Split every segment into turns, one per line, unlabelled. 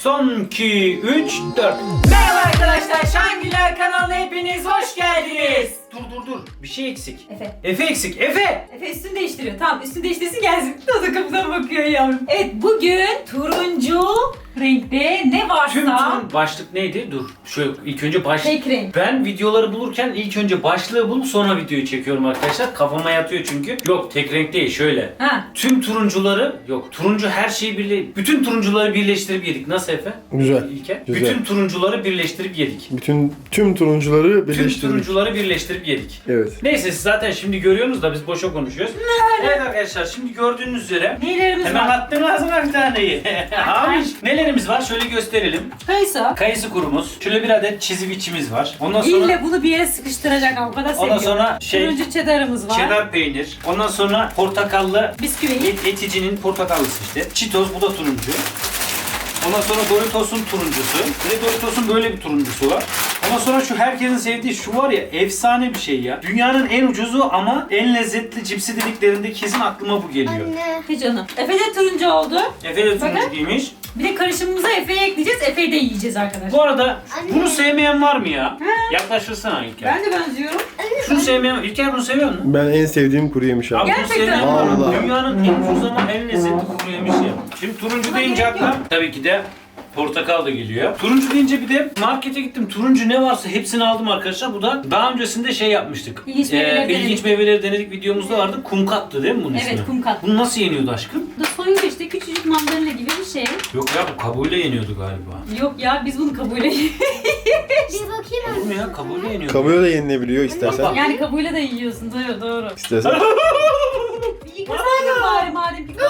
Son 2, 3, 4. Merhaba arkadaşlar, Şangüler kanalına hepiniz hoş geldiniz. Dur. Bir şey eksik. Efe eksik. Efe
üstünü değiştiriyor. Tamam, üstünü değiştirsin gelsin. O da kapıdan bakıyor yavrum. Evet, bugün turuncu renkte ne varsa.
Tüm başlık neydi? Dur. Şöyle ilk önce
Tek renk.
Ben videoları bulurken ilk önce başlığı bulup sonra videoyu çekiyorum arkadaşlar. Kafama yatıyor çünkü. Yok, tek renk değil, şöyle.
Ha.
Tüm turuncuları, turuncu her şeyi bütün turuncuları birleştirip yedik. Nasıl Efe?
Güzel.
İlker.
Güzel.
Bütün turuncuları birleştirip yedik.
Tüm turuncuları
Tüm
birleştirdik.
turuncuları birleştirip yedik.
Evet.
Neyse, siz zaten şimdi görüyorsunuz da biz boşa konuşuyoruz. Evet arkadaşlar, şimdi gördüğünüz üzere
Nelerimiz
hemen
var?
attım ağzına bir taneyi. Hamiş. Nelerimiz var? Şöyle gösterelim.
Kayısı.
Kayısı kurumuz. Şöyle bir adet çiziviçimiz var. Ondan sonra
İlle bunu bir yere sıkıştıracak ama o kadar seviyorum.
ondan sonra
Turuncu cheddar'ımız var.
cheddar peynir. Ondan sonra portakallı
Bisküvi.
Eticinin portakallısı işte. Cheetos, bu da turuncu. Ondan sonra Doritos'un turuncusu. Bir de Doritos'un böyle bir turuncusu var. Ondan sonra şu herkesin sevdiği şu var ya, efsane bir şey ya. Dünyanın en ucuzu ama en lezzetli cipsi dediklerinde kesin aklıma bu geliyor.
He canım. Efe de turuncu oldu.
Efe de turuncu
Bakın.
giymiş.
Bir de karışımımıza Efe'yi ekleyeceğiz. Efe'yi de yiyeceğiz arkadaşlar.
Bu arada bunu sevmeyen var mı ya? Yaklaşırsana İlker.
Ben de benziyorum.
Şunu sevmeyen, İlker bunu seviyor musun?
Ben en sevdiğim kuru yemiş abi.
Abi bunu
Gerçekten
sevmeyen
mi?
var mı?
Vallahi.
Dünyanın en ucuz ama en lezzetli kuru yemişi. Şimdi turuncu
Buna
deyince
gerek
akla
yok.
tabii ki de portakal da geliyor. Turuncu deyince bir de markete gittim. Turuncu ne varsa hepsini aldım arkadaşlar. Bu da daha öncesinde şey yapmıştık.
İlginç meyveleri
İlginç
denedik.
meyveleri denedik videomuzda vardı. Kumkattı değil mi bunun ismi?
Evet, kumkat.
Bunu nasıl yeniyordu aşkım?
Bu da soyunca işte küçücük mandalina gibi bir şey.
Yok ya, bu kabuğuyla yeniyordu galiba.
Yok ya, biz bunu kabuğuyla
Bir bakayım
Olur mu ya, kabuğuyla yeniyordu.
Kabuğuyla da yenilebiliyor istersen.
Yani kabuğuyla da yiyorsun. Doğru doğru.
İstersen.
Bir yıkasaydın bari madem ki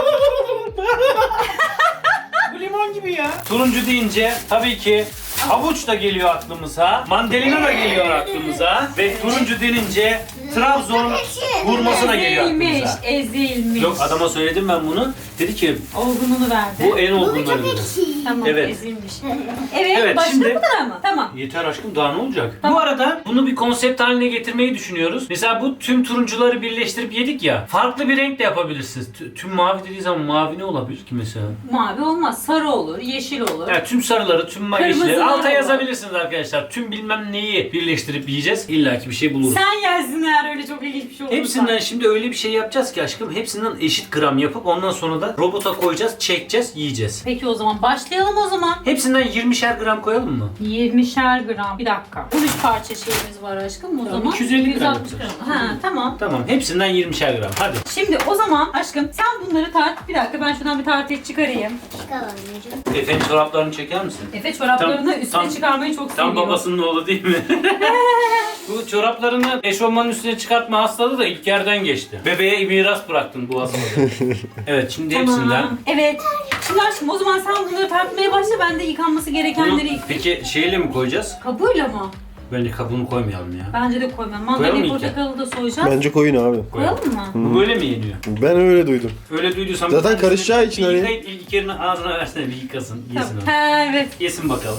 Bu limon gibi ya. Turuncu deyince tabii ki havuç da geliyor aklımıza, mandalina da geliyor aklımıza ve turuncu denince Trabzon hurması da geliyor
ezilmiş,
aklımıza.
ezilmiş.
Yok, adama söyledim ben bunu. Dedi ki
Olgunluğunu verdi.
bu en olgunları dedi.
Tamam,
Evet.
ezilmiş. Evet,
Evet,
başka
şimdi-
bu kadar mı? Tamam.
Yeter aşkım, daha ne olacak?
Tamam.
Bu arada bunu bir konsept haline getirmeyi düşünüyoruz. Mesela bu tüm turuncuları birleştirip yedik ya. Farklı bir renk de yapabilirsiniz. Tüm mavi dediği zaman mavi ne olabilir ki mesela?
Mavi olmaz. Sarı olur, yeşil olur.
Yani tüm sarıları, tüm yeşilleri
Kırmızılar
alta
var.
yazabilirsiniz arkadaşlar. Tüm bilmem neyi birleştirip yiyeceğiz. İlla ki bir şey buluruz.
Sen yersin eğer öyle çok ilginç bir şey olursa.
Hepsinden şimdi öyle bir şey yapacağız ki aşkım. Hepsinden eşit gram yapıp ondan sonra da robota koyacağız, çekeceğiz, yiyeceğiz.
Peki o zaman başlayalım o zaman.
Hepsinden 20'şer gram koyalım mı?
20'şer gram. Bir dakika. 13 parça şeyimiz var aşkım o
Tamam,
zaman.
250 gram
160
yapacağız.
gram. Ha tamam.
Tamam, hepsinden 20'şer gram. Hadi.
Şimdi o zaman aşkım sen bunları tart. Bir dakika ben şuradan bir tartıya çıkarayım.
Efe'nin çoraplarını çeker misin?
Efe çoraplarını
Tam-
üstüne
tam-
çıkarmayı çok
Tam
seviyor.
babasının oğlu değil mi? Bu çoraplarını eşofmanın üstüne çıkartma hastalığı da İlker'den geçti. Bebeğe miras bıraktın boğazıma. Evet, şimdi hepsinden.
Evet. Şimdi aşkım o zaman sen bunları tartmaya başla. Ben de yıkanması
Bunu,
gerekenleri...
peki şeyle mi koyacağız?
Kabuğuyla mı?
Bence kabuğunu koymayalım ya.
Bence de koymam.
Koyalım
Mandalina
mı İlker?
portakalı da soyacağız.
Bence koyun abi.
Koyalım mı?
Bu böyle mi yeniyor?
Ben öyle duydum.
Öyle duyduysan...
Zaten
bir tanesini
karışacağı için
bir
öyle.
yıkayıp İlker'in ağzına versene, bir yıkasın. Yesin o.
Ha evet.
Yesin bakalım.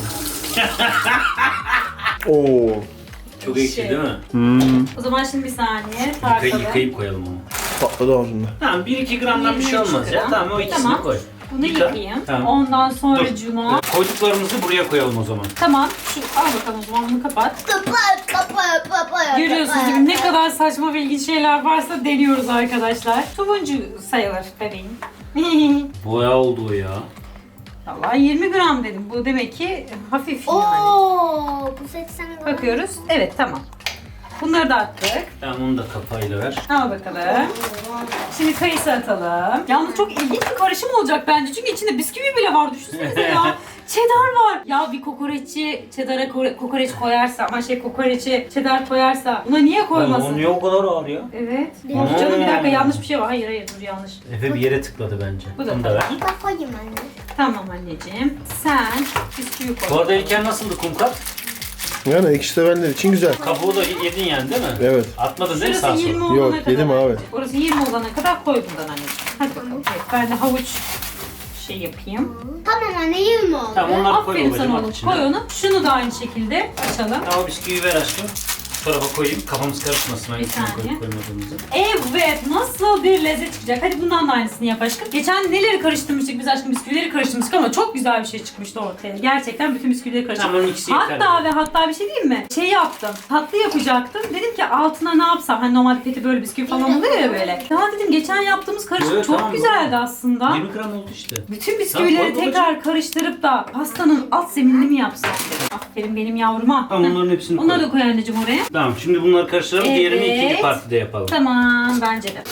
Oo.
Çok ekşi
Şey.
değil mi?
O zaman şimdi bir saniye tartalım.
Yıkayıp koyalım onu.
Patladı ağzımda.
Tamam, 1-2 gramdan bir şey
23
olmaz ya.
gram.
Tamam, o ikisini
Tamam.
koy.
Bunu
Yıka.
yıkayayım.
Tamam.
Ondan sonra
Dur.
cuma.
Koyduklarımızı buraya koyalım o zaman.
Tamam. Şu, al bakalım o zaman bunu kapat.
Kapat.
Görüyorsunuz gibi ne kadar saçma ve ilginç şeyler varsa deniyoruz arkadaşlar. Turuncu sayılır bebeğim.
Boya oldu o ya.
Vallahi 20 gram dedim. Bu demek ki hafif yani.
Oo, bu 80 gram.
Bakıyoruz. Evet tamam. Bunları da attık.
Tamam, onu da kapağıyla ver.
Al bakalım. Şimdi kayısı atalım. Yalnız çok ilginç bir karışım olacak bence. Çünkü içinde bisküvi bile var. Düşünsenize ya. Cheddar var. Ya bir kokoreççi cheddara kokoreç koyarsa ama kokoreçi cheddar koyarsa buna niye
Oğlum, o
koymasın?
niye o kadar ağır ya?
Evet.
Hmm.
Canım bir dakika yanlış bir şey var. Hayır dur yanlış.
Efe bir yere tıkladı bence.
Bu da
Onu da ver.
tamam.
Bak koyayım anne.
Tamam anneciğim. Sen bisküvi koy.
Bu arada İlker nasıldı kumkat?
Yani ekşi sevenler için güzel.
Kabuğu da yedin yani değil mi?
Evet.
Atmadın değil mi
Şurası
sağa
20
sola?
olana
Yok,
kadar.
yedim abi.
Orası 20 olana kadar koy bundan anneciğim. Hadi bakalım. Evet, ben de havuç şey yapayım.
Tamam anne 20 oldu.
Tamam, onları koy
Aferin
babacığım
sana
at
oğlum.
içine.
Koy onu. Şunu da aynı şekilde açalım.
Tamam, bisküvi ver aşkım. şu tarafa koyayım. Kafamız karışmasın. Hangisini
saniye.
koyup koymadığımızı.
Evet, nasıl bir lezzet çıkacak? Hadi bundan da aynısını yap aşkım. Geçen neleri karıştırmıştık biz aşkım? Bisküvileri karıştırmıştık ama çok güzel bir şey çıkmıştı ortaya. Gerçekten bütün bisküvileri karıştırdım.
Tamam, ikisi yeter.
Hatta bir şey diyeyim mi? Şey yaptım. Tatlı yapacaktım. Dedim ki altına ne yapsam? Hani normalde petibör bisküvi falan oluyor ya böyle. Daha dedim geçen yaptığımız karışım
Evet,
çok
tamam,
güzeldi
doğru.
aslında.
20 gram oldu işte.
Bütün bisküvileri
Tamam,
tekrar karıştırıp da pastanın alt zeminini mi yapsak dedim. Aferin benim yavruma.
Tamam, onların hepsini
Onları
koy.
da koy anneciğim oraya.
Tamam, şimdi bunları karıştıralım. Diğerini
Evet.
ikinci partide yapalım.
Tamam bence de.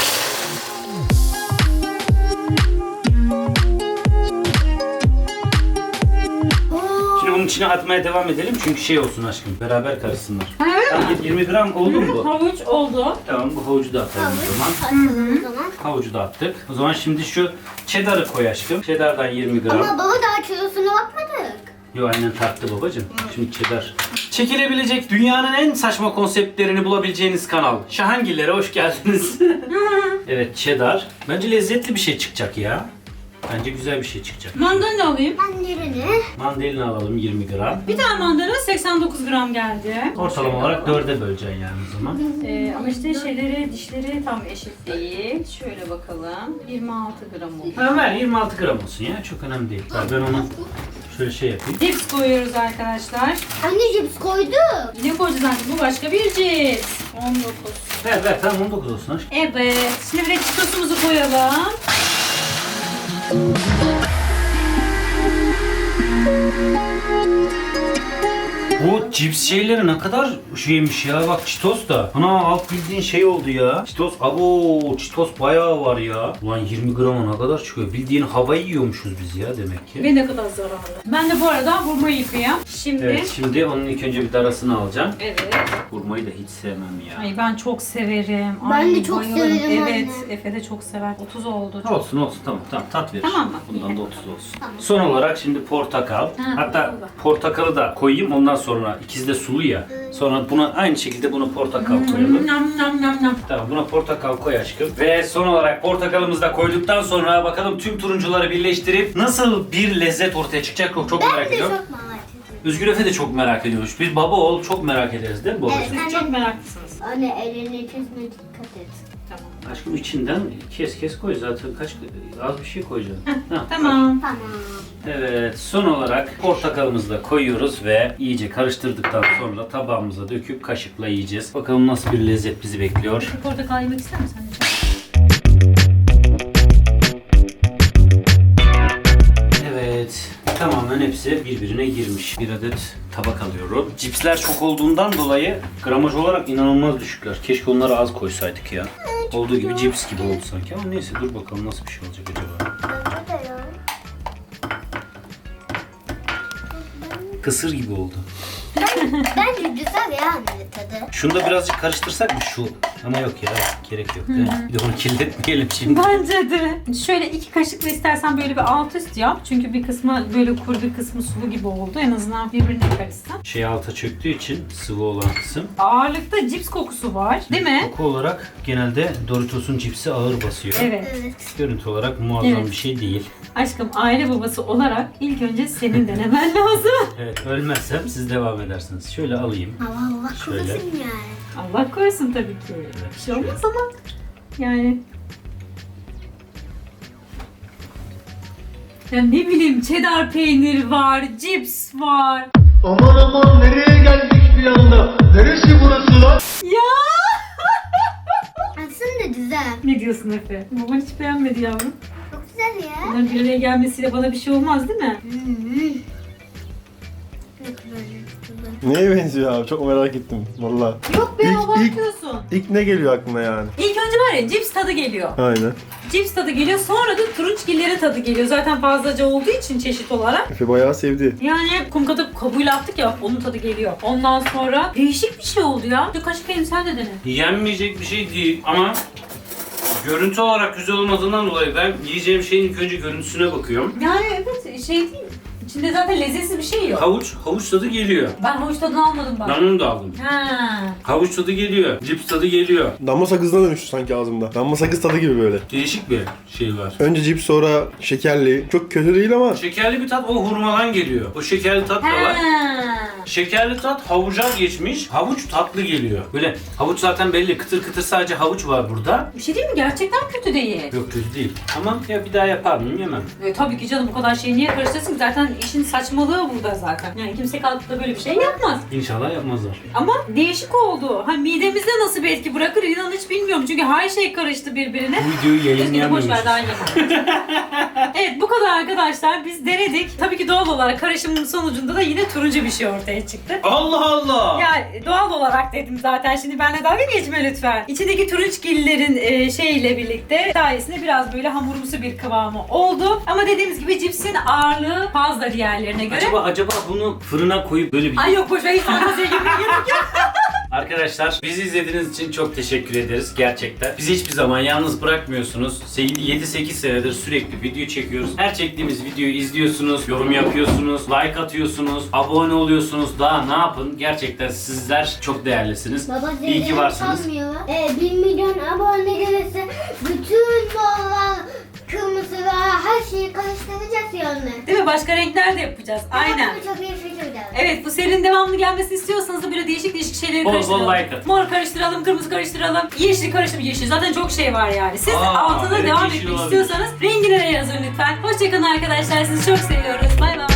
Şimdi bunun içine atmaya devam edelim çünkü şey olsun aşkım. Beraber karışsınlar.
Evet.
Tamam, 20 gram oldu mu bu?
Havuç oldu.
Tamam, bu havucu da atalım o zaman.
Atalım o zaman.
Havucu da attık. O zaman şimdi şu cheddar'ı koy aşkım. Cheddar'dan 20 gram.
Ama baba daha kilosuna bakmadık.
Yo, annen tarttı babacığım. Şimdi cheddar. Çekilebilecek dünyanın en saçma konseptlerini bulabileceğiniz kanal. Şahangillere hoş geldiniz. Evet, cheddar. Bence lezzetli bir şey çıkacak ya. Bence güzel bir şey çıkacak.
Mandalina alayım.
Ben yerini.
Mandalina alalım 20 gram.
Bir tane mandalina 89 gram geldi.
Ortalama olarak 4'e böleceksin yani o zaman.
Ama işte dişleri tam eşit değil. Şöyle bakalım. 26 gram oldu.
Ha, ver 26 gram olsun ya. Çok önemli değil. Ben onu şöyle şey yapayım.
Cips koyuyoruz arkadaşlar.
Anne cips koyduk.
Yine koyacağız anne. Bu başka bir cips. 19.
Ver tamam 19 olsun aşkım.
Evet. Şimdi bir de çitosumuzu koyalım.
Bu cips şeyleri ne kadar şeymiş ya. Bak Cheetos da. Ana alt bildiğin şey oldu ya. Cheetos, abo Cheetos bayağı var ya. Ulan 20 grama ne kadar çıkıyor. Bildiğin havayı yiyormuşuz biz ya demek ki.
Ve ne kadar zararlı. Ben de bu arada hurmayı yıkayayım. Şimdi.
Evet, şimdi onun ilk önce bir darasını alacağım.
Evet.
Hurmayı da hiç sevmem ya.
Ay ben çok severim.
Ben
Ay,
de çok
bayılırım.
severim
Evet.
anne.
Efe de çok sever. 30 oldu.
Olsun tamam tat verir.
Tamam mı?
Bundan
İyi.
da 30 olsun.
Tamam.
Son olarak şimdi portakal. Hatta
portakal da.
portakalı da koyayım ondan sonra ikisi de sulu ya. Sonra buna aynı şekilde bunu portakal koyalım.
Nam nam nam nam.
Tamam buna portakal koy aşkım. Ve son olarak portakalımızı da koyduktan sonra bakalım tüm turuncuları birleştirip nasıl bir lezzet ortaya çıkacak çok merak
Ben de
ediyorum.
çok merak ediyorum.
Özgür Efe de çok merak ediyormuş. Biz baba oğul çok merak ederiz değil mi babacığım?
Evet.
Siz çok meraklısınız.
Anne elini kesme dikkat et.
Tamam.
Aşkım içinden kes koy zaten az bir şey koyacaksın. Hah,
Tamam.
Tamam.
Evet, son olarak portakalımızı da koyuyoruz ve iyice karıştırdıktan sonra tabağımıza döküp kaşıkla yiyeceğiz. Bakalım nasıl bir lezzet bizi bekliyor.
Portakal yemek ister misin anneciğim?
Evet, tamamen hepsi birbirine girmiş. Bir adet tabak alıyorum. Cipsler çok olduğundan dolayı gramaj olarak inanılmaz düşükler. Keşke onları az koysaydık ya. Olduğu gibi cips gibi oldu sanki ama neyse dur bakalım nasıl bir şey olacak acaba.
Bence de ya.
Kısır gibi oldu.
Bence güzel ya anne tadı.
Şunu da birazcık karıştırsak mı şu? Ama yok ya gerek yok değil mi? Bir de onu kirletmeyelim şimdi.
Bence de. Şöyle 2 kaşıkla istersen böyle bir alt üst yap. Çünkü bir kısmı böyle kuru bir kısmı sulu gibi oldu. En azından birbirine karışsın.
Şey alta çöktüğü için sıvı olan kısım.
Ağırlıkta cips kokusu var. Değil mi?
Koku olarak genelde Doritos'un cipsi ağır basıyor.
Evet.
Evet.
Görüntü olarak muazzam
Evet.
bir şey değil.
Aşkım aile babası olarak ilk önce senin denemen lazım.
Evet ölmezsem siz devam edersiniz. Şöyle alayım.
Allah
Şöyle.
korusun yani.
Allah korusun tabii ki. Bir şey olmaz ama yani. Ya ne bileyim cheddar peynir var, cips var.
Aman aman nereye geldik bir anda? Neresi burası lan?
Ya
Aslında güzel.
ne diyorsun Efe? Baban hiç beğenmedi yavrum.
Çok güzel ya.
Bunların bir araya gelmesiyle bana bir şey olmaz değil mi?
Ne kadar güzel.
Neye benziyor abi? Çok merak ettim. Valla.
Yok be
İlk-
abartıyorsun.
İlk ne geliyor aklına yani?
İlk önce var ya cips tadı geliyor.
Aynen.
Cips tadı geliyor sonra da turunçgillerin tadı geliyor. Zaten fazlaca olduğu için çeşit olarak.
Efe bayağı sevdi.
Yani kum katıp kabuğuyla attık ya onun tadı geliyor. Ondan sonra değişik bir şey oldu ya. Bir kaşık elim sen de dene.
Yenmeyecek bir şey değil ama görüntü olarak güzel olmadığından dolayı ben yiyeceğim şeyin ilk önce görüntüsüne bakıyorum.
Yani evet şey değil. İçinde zaten lezzetsiz bir şey yok.
Havuç tadı geliyor.
Ben havuç tadını almadım bak.
Ben onu da aldım.
Ha.
Havuç tadı geliyor. Cips tadı geliyor.
Damla sakızına dönüştü sanki ağzımda. Damla sakız tadı gibi böyle.
Değişik bir şey var.
Önce cips sonra şekerli. Çok kötü değil ama
Şekerli bir tat o hurmadan geliyor. O şekerli tat da var.
Ha.
Şekerli tat havuca geçmiş. Havuç tatlı geliyor. Böyle havuç zaten belli. Kıtır kıtır sadece havuç var burada.
Bir şey değil mi? Gerçekten kötü değil.
Yok kötü değil. Ama ya bir daha yapar mıyım? Yemem.
Tabii ki canım, bu kadar şeyi niye karıştırsın ki? Zaten işin saçmalığı burada zaten. Yani kimse kalkıp da böyle bir şey yapmaz.
İnşallah yapmazlar.
Ama değişik oldu. Ha, midemizde nasıl bir etki bırakır inan hiç bilmiyorum. Çünkü her şey karıştı birbirine.
Bu videoyu yayınlayamıyoruz.
Boş ver, daha yemem. Evet, bu kadar arkadaşlar. Biz denedik. Tabii ki doğal olarak karışımın sonucunda da yine turuncu bir şey ortaya çıktı.
Allah Allah!
Ya doğal olarak dedim zaten. Şimdi benimle dalga geçme lütfen. İçindeki turunçgillerin şeyle birlikte sayesinde biraz böyle hamurumsu bir kıvamı oldu. Ama dediğimiz gibi cipsin ağırlığı fazla diğerlerine göre.
Acaba bunu fırına koyup böyle bir...
Ay yok, boş ver, hiç fanteziye girmeye gerek yok.
Arkadaşlar bizi izlediğiniz için çok teşekkür ederiz gerçekten. Bizi hiçbir zaman yalnız bırakmıyorsunuz. 7-8 senedir sürekli video çekiyoruz. Her çektiğimiz videoyu izliyorsunuz, yorum yapıyorsunuz, like atıyorsunuz, abone oluyorsunuz. Daha ne yapın? Gerçekten sizler çok değerlisiniz.
Baba
İyi ki varsınız.
sanmıyor. 1 milyon abone gelirse bütün bollar kırmızı ve her şeyi karıştıracağız yani.
Değil mi? Başka renkler de yapacağız. Aynen.
Çok iyi fikir de.
Evet, bu serinin devamlı gelmesini istiyorsanız da böyle değişik değişik şeyleri
Bol bol
karıştıralım.
like atın.
Mor karıştıralım, kırmızı karıştıralım, yeşil karıştıralım, yeşil. Zaten çok şey var yani. Siz altına
evet,
devam
yeşil
etmek
olabilir.
istiyorsanız rengine yazın lütfen. Hoşçakalın arkadaşlar. Sizi çok seviyoruz. Bay bay.